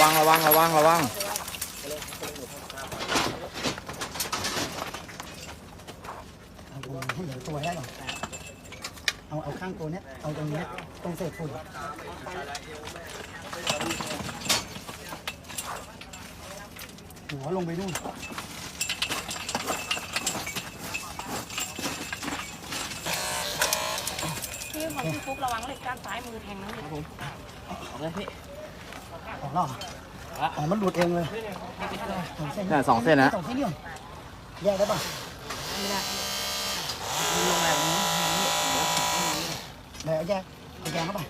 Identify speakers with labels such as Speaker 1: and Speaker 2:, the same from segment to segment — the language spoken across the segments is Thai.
Speaker 1: วังระวังระวังระวัง
Speaker 2: ให้เหลือตัวได้ก่อนเอาข้างตัวเนี้ยเอาตรงนี้ตรงเศษฝุ่นหัวลงไปนู่น
Speaker 3: พี่ของพี่ฟุกระวังเหล็กด้านซ้ายมือแทงนะพี่ผมเอาเลยพี่
Speaker 2: ออกแล้วอ๋อมันหลุดเองเลย
Speaker 1: สองเส้นนะ
Speaker 2: 2 เส้นนี่แยกได้ป่ะ
Speaker 3: ไม่ได้ลงแบบนี้
Speaker 2: เดี๋ยวแยกเข้าไป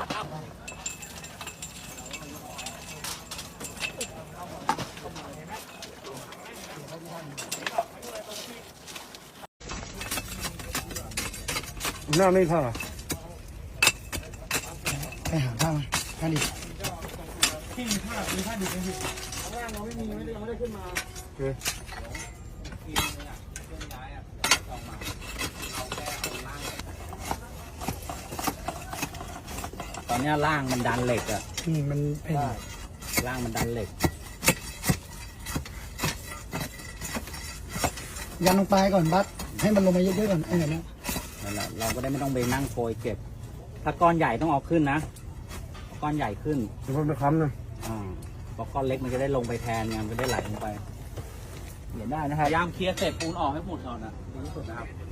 Speaker 4: หน้าไม่ผ่า
Speaker 2: ไปหาผ้ามาผ้าดิ
Speaker 4: ที่มีผ้าดิบไหมพี่ข้างล่างเราไม่มียังไม่ได้ขึ้นมา
Speaker 1: ตอนนี้ล่างมันดันเหล็กอ่ะ
Speaker 2: มันเป็น
Speaker 1: ล่างมันดันเหล็ก
Speaker 2: ยันลงไปก่อนบัสให้มันลงมาเยอะๆก่อนนั่นแหละ
Speaker 1: เราก็ได้ไม่ต้องไปนั่งโกยเก็บถ้าก้อนใหญ่ต้องเอาขึ้นนะก้อนใหญ่ขึ้น
Speaker 4: เดี๋ยวมันไปค้ำนะ
Speaker 1: เพราะก้อนเล็กมันจะได้ลงไปแทนไงมันจะได้ไหลลงไปเห็นได้นะครับพยายามเคลียร์เศษปูนออกให้หมดก่อนนะดีที่สุดนะครับ